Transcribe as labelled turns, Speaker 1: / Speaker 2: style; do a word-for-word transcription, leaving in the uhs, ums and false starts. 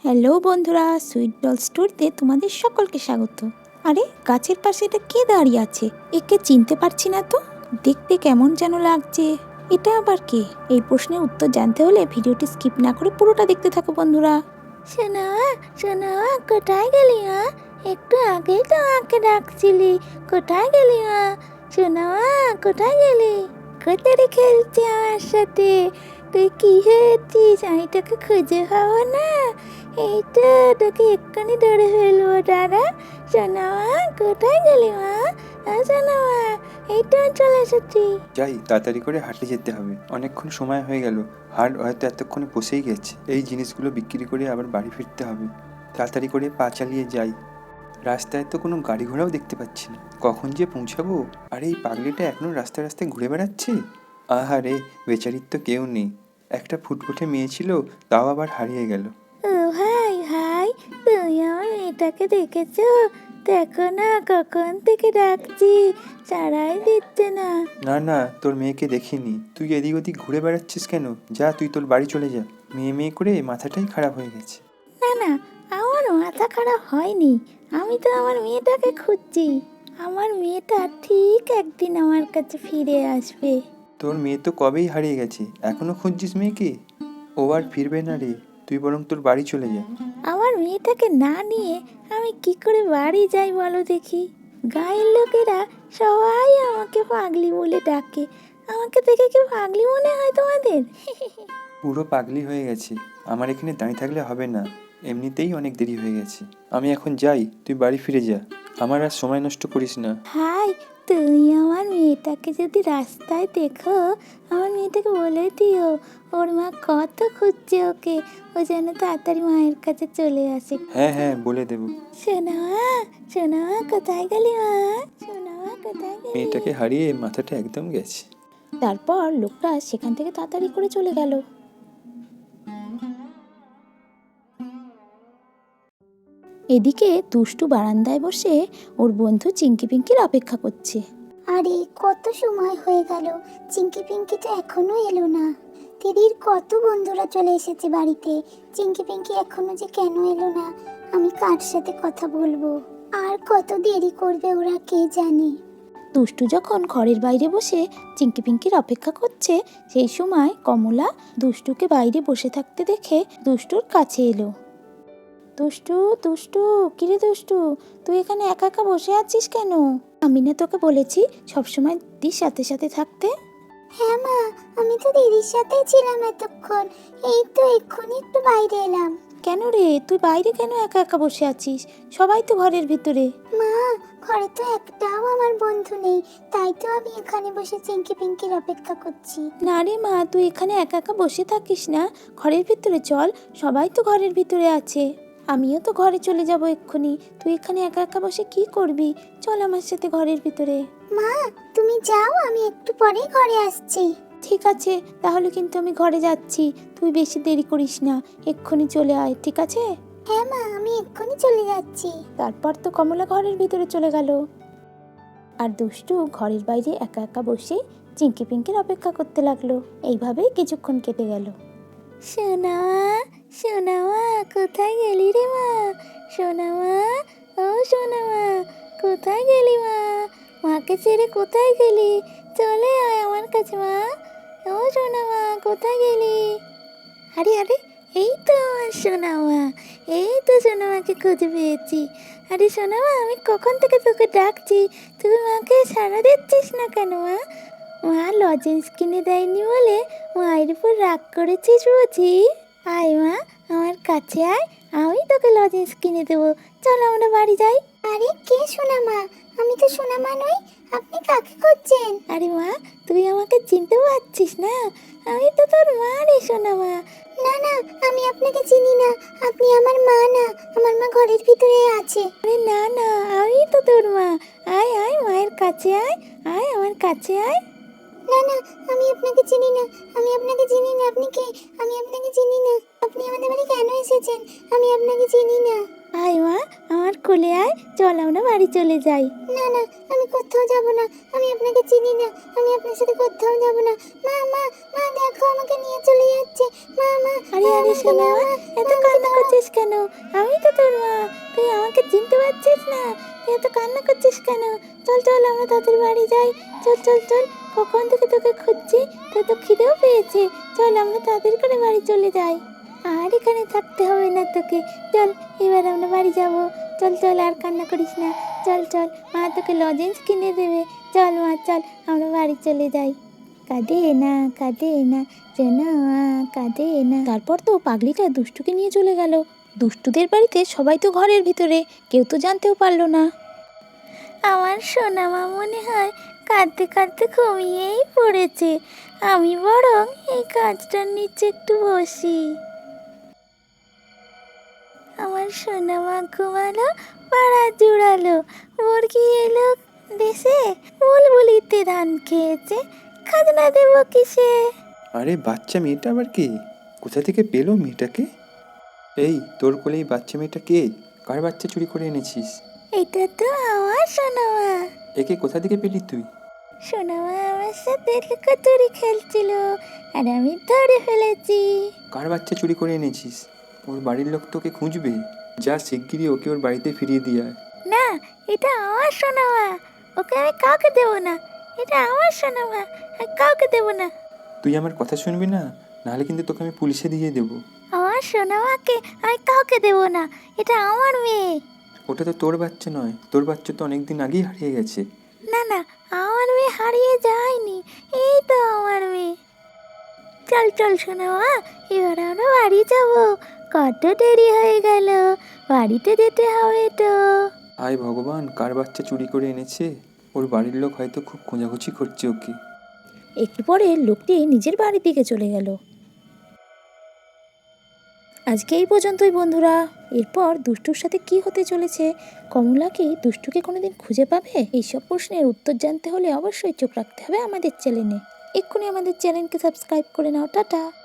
Speaker 1: Hello বন্ধুরা, sweet doll স্টোরিতে তোমাদের সকলকে স্বাগত। আরে গাছের পাশে এটা কে দাঁড়িয়ে আছে? একে চিনতে পারছি না তো। দেখতে কেমন যেন লাগছে। এটা আবার কে? এই প্রশ্নের উত্তর জানতে হলে ভিডিওটি স্কিপ না করে পুরোটা দেখতে থাকো বন্ধুরা। শোনা শোনা, কোথায় গেলি মা? একটু আগেই তো আমাকে ডাকছিলি, কোথায় গেলি মা? শোনা, কোথায় গেলি? কোথায় খেলছি আমার সাথে? তুই কি হয়েছিস? আমি তোকে খুঁজে পাবো না। এই তো তোকে এক্ষুনি ধরে ফেলবো। দাদা শোনা, কোথায় গেলি মা? শোনা, এই তো চলে এসেছি।
Speaker 2: যাই, তাড়াতাড়ি করে হাটে যেতে হবে, অনেকক্ষণ সময় হয়ে গেল। হাট হয়তো এতক্ষণে বসেই গেছে। এই জিনিসগুলো বিক্রি করে আবার বাড়ি ফিরতে হবে। তাড়াতাড়ি করে পা চালিয়ে যাই। রাস্তায় তো কোনো গাড়ি ঘোড়াও দেখতে পাচ্ছি না, কখন যে পৌঁছাবো। আর এই পাগলিটা এখনো রাস্তায় রাস্তায় ঘুরে বেড়াচ্ছে। আহারে, বেচারির তো কেউ নেই। একটা ফুটফুটে মেয়ে ছিল, তাও আবার হারিয়ে গেল।
Speaker 1: ও ভাই ভাই, তুমি আমার মেয়েটাকে দেখেছো? দেখো না, কখন থেকে ডাকছি, সাড়াই দিচ্ছে না।
Speaker 2: না না, তোর মেয়েকে দেখিনি। তুই এদিক ওদিক ঘুরে বেড়াচ্ছিস কেন? যা, তুই তোর বাড়ি চলে যা। মেয়ে মেয়ে করে মাথাটাই খারাপ হয়ে গেছে।
Speaker 1: না না, আমার মাথা খারাপ হয়নি। আমি তো আমার মেয়েটাকে খুঁজছি। আমার মেয়েটা ঠিক একদিন আমার কাছে ফিরে আসবে।
Speaker 2: তোর মেয়ে তো কবেই হারিয়ে গেছে, এখনো খুঁজছিস মেয়েকে? ও আর ফিরবে না রে, তুই বরং তোর বাড়ি চলে যা।
Speaker 1: আমার মেয়েটাকে না নিয়ে আমি কি করে বাড়ি যাই বলো দেখি? গায়ের লোকেরা সবাই আমাকে পাগলি বলে ডাকে। আমাকে দেখে কি পাগলি মনে হয় তোমাদের?
Speaker 2: পুরো পাগলি হয়ে গেছে। আমার এখানে দাঁড়িয়ে থাকলে হবে না, এমনিতেই অনেক দেরি হয়ে গেছে। আমি এখন যাই, তুই বাড়ি ফিরে যা। আমার আর সময় নষ্ট করিস না।
Speaker 1: হাই, তুমি আমার মেয়েটাকে যদি রাস্তায় দেখো, আমার মেয়েটাকে বলে দিও ওর মা কত খুঁজছে ওকে, ও যেন তাড়াতাড়ি মায়ের কাছে চলে আসে।
Speaker 2: হ্যাঁ হ্যাঁ, বলে দেবো।
Speaker 1: সোনা সোনা, কোথায় গেলি মা? সোনা, কোথায় গেলি?
Speaker 2: মেয়েটাকে হারিয়ে মাথাটা একদম গেছে।
Speaker 1: তারপর লোকটা সেখান থেকে তাড়াতাড়ি করে চলে গেল। এদিকে দুষ্টু বারান্দায় বসে ওর বন্ধু চিঙ্কি পিঙ্কির অপেক্ষা করছে।
Speaker 3: আরে কত সময় হয়ে গেল, চিঙ্কি পিঙ্কি তো এখনো এলো না। দিদির কত বন্ধুরা চলে এসেছে বাড়িতে, চিঙ্কি পিঙ্কি এখনো যে কেন এলো না? আমি কার সাথে কথা বলবো? আর কত দেরি করবে ওরা, কে জানে।
Speaker 1: দুষ্টু যখন ঘরের বাইরে বসে চিঙ্কি পিঙ্কির অপেক্ষা করছে, সেই সময় কমলা দুষ্টুকে বাইরে বসে থাকতে দেখে দুষ্টুর কাছে এলো। দুষ্টু দুষ্টু, কিরে দুষ্টু, তুই এখানে একা একা বসে আছিস কেন? আমি না তোকে বলেছি সবসময় দিদির সাথে সাথে থাকতে?
Speaker 3: হ্যাঁ মা, আমি তো দিদির সাথেই ছিলাম এতক্ষণ। এই তো এক্ষুনি একটু বাইরে এলাম।
Speaker 1: কেন রে, তুই বাইরে কেন একা একা বসে আছিস? সবাই তো ঘরের ভিতরে।
Speaker 3: মা, ঘরে তো একটাও আমার বন্ধু নেই, তাই তো আমি এখানে বসে চিঙ্কি পিঙ্কির অপেক্ষা করছি।
Speaker 1: না রে মা, তুই এখানে একা একা বসে থাকিস না, ঘরের ভিতরে চল, সবাই তো ঘরের ভিতরে আছে। আমিও তো ঘরে চলে যাব এক্ষুনি। তুই এখানে একা একা বসে কি করবি? চল আমার সাথে ঘরের ভিতরে।
Speaker 3: মা, তুমি যাও, আমি একটু পরে ঘরে আসছি।
Speaker 1: ঠিক আছে, তাহলে কিন্তু আমি ঘরে যাচ্ছি। তুই বেশি দেরি করিস না, এক্ষুনি চলে আয়, ঠিক আছে?
Speaker 3: হ্যাঁ মা, আমি এক্ষুনি চলে যাচ্ছি।
Speaker 1: তারপর তো কমলা ঘরের ভিতরে চলে গেল, আর দুষ্টু ঘরের বাইরে একা একা বসে চিঙ্কি পিঙ্কির অপেক্ষা করতে লাগলো। এইভাবেই কিছুক্ষণ কেটে গেল। সোনা সোনা মা, কোথায় গেলি রে মা? সোনা মা, ও সোনা মা, কোথায় গেলি মা? মাকে ছেড়ে কোথায় গেলি? চলে আয় আমার কাছে মা। ও সোনা মা, কোথায় গেলি? আরে আরে, এই তো আমার সোনা মা, এই তো সোনা মাকে খুঁজে পেয়েছি। আরে সোনা মা, আমি কখন থেকে তোকে ডাকছি, তুই মাকে সাড়া দিচ্ছিস না কেন মা? মা লজেন্স কিনে দেয়নি বলে মায়ের উপর রাগ করেছিস বুঝি? আয় মা, আমার কাছে আয়, আমি তোকে লজেন্স কিনে দেবো। চল আমরা বাড়ি যাই।
Speaker 3: আরে কে সোনা মা? আমি তো সোনা মা নই, আপনি কাকে খুঁজছেন?
Speaker 1: আরে মা, তুই আমাকে চিনতে পারছিস না? আমি তো তোর মা রে সোনা মা।
Speaker 3: না না, আমি আপনাকে চিনি না, আপনি আমার মা না, আমার মা ঘরের ভিতরে আছে।
Speaker 1: আরে না না, আমি তো তোর মা। আয় আয়, মায়ের কাছে আয়, আয় আমার কাছে আয়।
Speaker 3: না না, আমি আপনাকে চিনি না, আমি আপনাকে চিনি না, আপনি কে? আমি আপনাকে চিনি না, আপনি আমাদের বাড়ি কেন এসেছেন? আমি আপনাকে চিনি না।
Speaker 1: আয় মা, আমার কোলে আয়, চল আমরা বাড়ি চলে যাই।
Speaker 3: না না, আমি কোথাও যাব না, আমি আপনাকে চিনি না, আমি আপনার সাথে কোথাও যাব না। মা মা মা, দেখো আমাকে নিয়ে নিয়ে চলে যাচ্ছে। মা মা
Speaker 1: আরে আরে সোনা মা, এত কান্না করছিস কেন? আমি তো তোর মা, তুই আমাকে চিনতে পারছিস না? তুই এত কান্না করছিস কেন? চল চল আমরা তাদের বাড়ি যাই। চল চল চল, কখন থেকে তোকে খুঁজছি, তোর তো খিদেও পেয়েছে। চল আমরা তাদের করে বাড়ি চলে যাই। আর এখানে থাকতে হবে না তোকে, চল এবার আমরা বাড়ি যাব। চল চল, আর কান্না করিস না। চল চল, মা তোকে লজেন্স কিনে দেবে। চল মা চল, আমরা বাড়ি চলে যাই। কাঁদে না কাঁদে না সোনা মা, কাঁদে না। তারপর তো পাগলিটা দুষ্টুকে নিয়ে চলে গেল। দুষ্টুদের বাড়িতে সবাই তো ঘরের ভিতরে, কেউ তো জানতেও পারলো না। আমার সোনা মা মনে হয় কাঁদতে কাঁদতে ঘুমিয়েই পড়েছে। আমি বরং এই কাজটার নিচে একটু বসি। আমার সোনা মা ঘুমালো, পাড়া জুড়ালো, মুরগি এলো দেশে, বুলবুলিতে ধান খেয়েছে, খাজনা দেব কিসে?
Speaker 2: আরে বাচ্চা মেয়েটা আবার কে? কোথা থেকে পেলো মেয়েটাকে? এই তোর কোলে এই বাচ্চা মেয়েটা কে? কার বাচ্চা চুরি করে এনেছিস?
Speaker 1: এটা তো আমার সোনা মা।
Speaker 2: একে কোথা থেকে পেলি তুই?
Speaker 1: সোনা মা আমার সাথে লুকোচুরি খেলছিল, আর আমি ধরে ফেলেছি।
Speaker 2: কার বাচ্চা চুরি করে এনেছিস? ওর বাড়ির লোক তোকে খুঁজবে। যা শিগগিরই ওকে ওর বাড়িতে ফিরিয়ে দিয়ে আয়।
Speaker 1: না, এটা আমার সোনা মা, ওকে আমি কাউকে দেবো না। এটা আমার সোনা মা, আমি কাউকে দেবো না।
Speaker 2: তুই আমার কথা শুনবি না, নাহলে কিন্তু তোকে আমি পুলিশে দিয়ে দেবো।
Speaker 1: আমার সোনা মাকে আমি কাউকে দেবো না, এটা আমার মেয়ে।
Speaker 2: ওটা তো তোর বাচ্চা নয়, তোর বাচ্চা তো অনেকদিন আগেই হারিয়ে গেছে।
Speaker 1: না না, আমার মেয়ে হারিয়ে যায়নি, এই তো আমার মেয়ে। চল চল সোনা মা, এবার আমরা বাড়ি যাবো। কত দেরি হয়ে গেল, বাড়িতে যেতে হবে তো।
Speaker 2: হায় ভগবান, কার বাচ্চা চুরি করে এনেছে? ওর বাড়ির লোক হয়তো খুব খোঁজাখুঁজি করছে ওকে।
Speaker 1: একটু পরে লোকটি নিজের বাড়ির দিকে চলে গেল। আজকে এই পর্যন্তই বন্ধুরা। এরপর দুষ্টুর সাথে কি হতে চলেছে, কমলা কি দুষ্টুকে কোনোদিন খুঁজে পাবে? এইসব প্রশ্নের উত্তর জানতে হলে অবশ্যই চোখ রাখতে হবে আমাদের চ্যানেলে। এক্ষুনি আমাদের চ্যানেলকে সাবস্ক্রাইব করে নাও। টাটা।